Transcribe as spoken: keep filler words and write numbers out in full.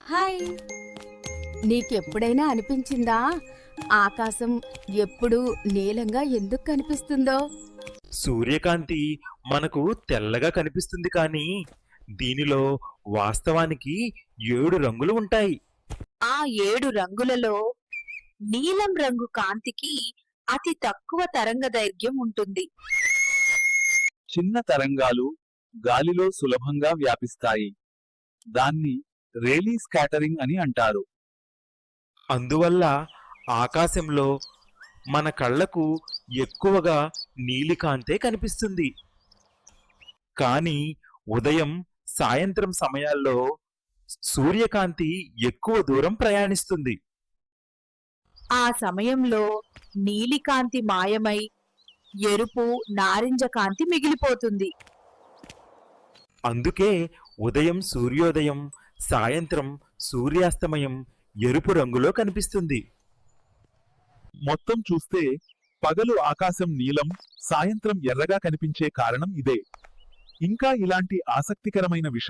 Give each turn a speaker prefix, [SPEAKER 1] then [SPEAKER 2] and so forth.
[SPEAKER 1] Hi. నీకెప్పుడైనా అనిపించిందా ఆకాశం ఎప్పుడు నీలంగా ఎందుకు కనిపిస్తుందో?
[SPEAKER 2] సూర్యకాంతి మనకు తెల్లగా కనిపిస్తుంది కానీ దీనిలో వాస్తవానికి ఏడు రంగులు ఉంటాయి.
[SPEAKER 3] ఆ ఏడు రంగులలో నీలం రంగు కాంతికి అతి తక్కువ తరంగదైర్ఘ్యం ఉంటుంది.
[SPEAKER 4] చిన్న తరంగాలు గాలిలో సులభంగా వ్యాపిస్తాయి. దాన్ని రేలీ స్కాటరింగ్ అని అంటారు.
[SPEAKER 2] అందువల్ల ఆకాశంలో మన కళ్ళకు ఎక్కువగా నీలికాంతే కనిపిస్తుంది. కానీ ఉదయం సాయంత్రం సమయాల్లో సూర్యకాంతి ఎక్కువ దూరం ప్రయాణిస్తుంది.
[SPEAKER 3] ఆ సమయంలో నీలికాంతి మాయమై ఎరుపు నారింజ కాంతి మిగిలిపోతుంది.
[SPEAKER 2] అందుకే ఉదయం సూర్యోదయం, సాయంత్రం సూర్యాస్తమయం ఎరుపు రంగులో కనిపిస్తుంది.
[SPEAKER 4] మొత్తం చూస్తే పగలు ఆకాశం నీలం, సాయంత్రం ఎర్రగా కనిపించే కారణం ఇదే. ఇంకా ఇలాంటి ఆసక్తికరమైన విషయం